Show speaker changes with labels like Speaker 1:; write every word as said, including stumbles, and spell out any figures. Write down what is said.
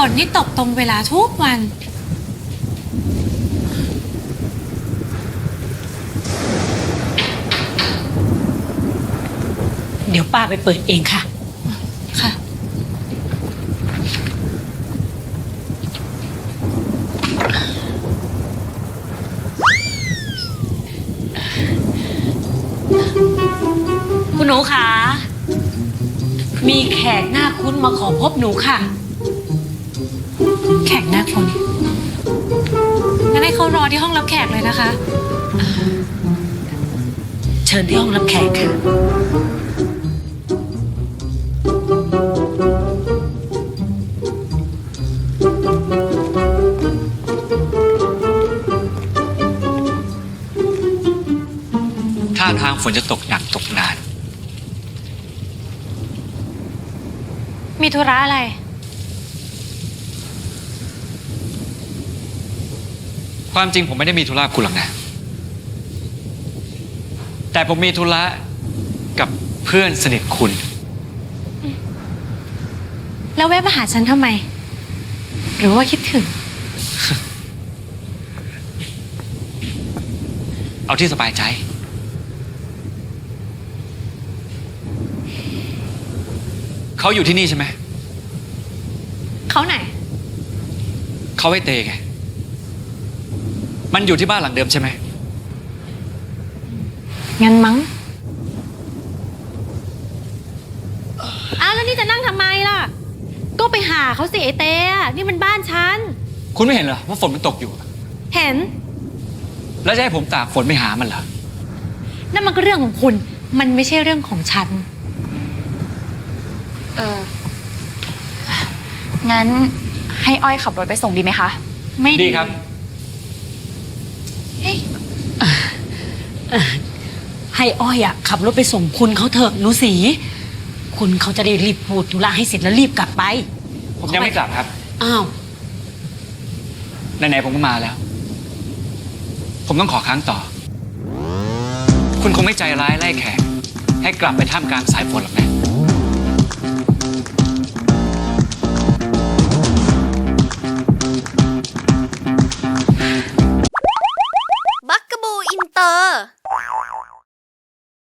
Speaker 1: นนี่ตกตรงเวลาทุกวัน
Speaker 2: เดี๋ยวป้าไปเปิดเองค่ะ
Speaker 1: ค่ะ
Speaker 2: คุณหนูคะมีแขกหน้าคุ้นมาขอพบหนูค่ะ
Speaker 1: แขกหน้าคนงั้นให้เขารอที่ห้องรับแขกเลยนะคะ
Speaker 2: เชิญที่ห้องรับแขกค่ะ
Speaker 3: ท่าทางฝนจะตกหนักตกนาน
Speaker 1: มีธุระอะไร
Speaker 3: ความจริงผมไม่ได้มีธุระกับคุณหรอกนะ แต่ผมมีธุระกับเพื่อนสนิทคุณ
Speaker 1: แล้วแวะมาหาฉันทำไม หรือว่าคิดถึง
Speaker 3: เอาที่สบายใจ เขาอยู่ที่นี่ใช่ไหม
Speaker 1: เขาไหน
Speaker 3: เขาให้เตไง มันอยู่ที่บ้านหลังเดิมใช่ไหม
Speaker 1: งั้นมั้งอ้าวแล้วนี่จะนั่งทำไมล่ะ ก็ไปหาเขาสิไอเต้นี่มันบ้านฉัน
Speaker 3: คุณไม่เห็นเหรอว่าฝนมันตกอยู่
Speaker 1: เห็น
Speaker 3: แล้วจะให้ผมตากฝนไปหามันเหรอ
Speaker 1: นั่นมันก็เรื่องของคุณ มันไม่ใช่เรื่องของฉัน
Speaker 4: เออ งั้นให้อ้อยขับรถไปส่งดีไหมคะ
Speaker 1: ไม่
Speaker 3: ดีครับ
Speaker 1: เฮ้ย
Speaker 2: ให้อ้อยอะขับรถไปส่งคุณเขาเถอะหนูสีคุณเขาจะได้รีบพูดธุระให้เสร็จแล้วรีบกลับไป
Speaker 3: ผมยังไม่กลับครับ
Speaker 2: อ้าว
Speaker 3: ไหนๆผมก็มาแล้ว ผมต้องขอค้างต่อ คุณคงไม่ใจร้ายไล่แขกให้กลับไปท่ามกลางสายฝนหรอกนะ